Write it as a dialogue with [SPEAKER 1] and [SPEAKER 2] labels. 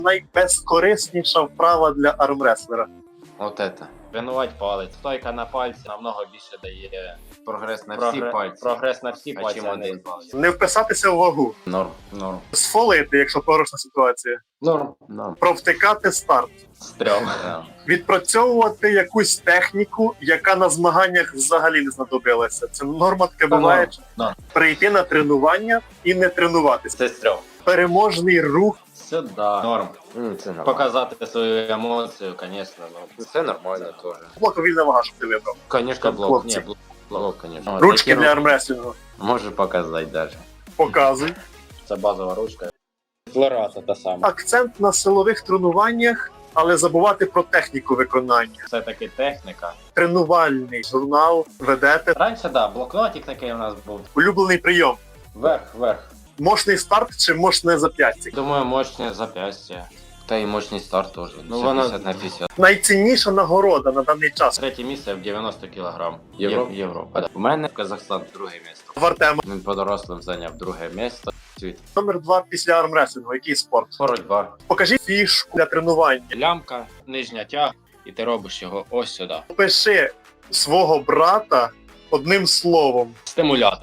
[SPEAKER 1] Найбезкорисніша вправа для армреслера.
[SPEAKER 2] Вот это.
[SPEAKER 3] Тренувати палець. Стойка на пальці намного більше дає
[SPEAKER 2] Прогресс на всі пальці.
[SPEAKER 3] прогрес на всі
[SPEAKER 2] А
[SPEAKER 3] пальці,
[SPEAKER 2] чим
[SPEAKER 3] а не
[SPEAKER 2] один?
[SPEAKER 3] палець.
[SPEAKER 1] Не вписатися в вагу.
[SPEAKER 2] Норм. Норм.
[SPEAKER 1] Сфолити, якщо порушна ситуація.
[SPEAKER 2] Норм. Норм.
[SPEAKER 1] Провтикати старт.
[SPEAKER 3] Стрьом.
[SPEAKER 2] Да.
[SPEAKER 1] Відпрацьовувати якусь техніку, яка на змаганнях взагалі не знадобилася. Це норма таке буває.
[SPEAKER 3] норм.
[SPEAKER 1] Прийти на тренування і не тренуватися.
[SPEAKER 3] Це стрьом.
[SPEAKER 1] Переможний рух.
[SPEAKER 3] Сюди. Норм.
[SPEAKER 2] Це нормально.
[SPEAKER 3] Показати свою емоцію, звісно. Ну.
[SPEAKER 2] Це нормально теж.
[SPEAKER 1] Блок вільна вага, щоб ти вибрав.
[SPEAKER 2] Конечно, блок.
[SPEAKER 1] Хлопці.
[SPEAKER 2] Ні, блок, конечно.
[SPEAKER 1] Ручки для армреслінгу.
[SPEAKER 2] Може показати даже.
[SPEAKER 1] Показуй.
[SPEAKER 3] Це базова ручка. Флората та сама.
[SPEAKER 1] Акцент на силових тренуваннях, але забувати про техніку виконання.
[SPEAKER 3] Це таки техніка.
[SPEAKER 1] Тренувальний журнал ведете.
[SPEAKER 3] Раніше, да, блокнотик такий у нас був.
[SPEAKER 1] Улюблений прийом.
[SPEAKER 3] Вверх.
[SPEAKER 1] Мощний старт чи мощне зап'ястя?
[SPEAKER 3] Думаю, мощне зап'ястя.
[SPEAKER 2] Та і мощний старт теж.
[SPEAKER 3] Ну, воно-
[SPEAKER 2] 50 на 50.
[SPEAKER 1] Найцінніша нагорода на даний час.
[SPEAKER 3] Третє місце в 90 кг.
[SPEAKER 2] Європа. У мене Казахстан друге місце.
[SPEAKER 1] В Артема.
[SPEAKER 2] Він по дорослим зайняв друге місце. Світ.
[SPEAKER 1] Номер 2 після армреслінгу. Який спорт?
[SPEAKER 2] Боротьба.
[SPEAKER 1] Покажіть фішку для тренування.
[SPEAKER 3] Лямка, нижня тяг, і ти робиш його ось сюди.
[SPEAKER 1] Опиши свого брата одним словом.
[SPEAKER 3] Стимулятор.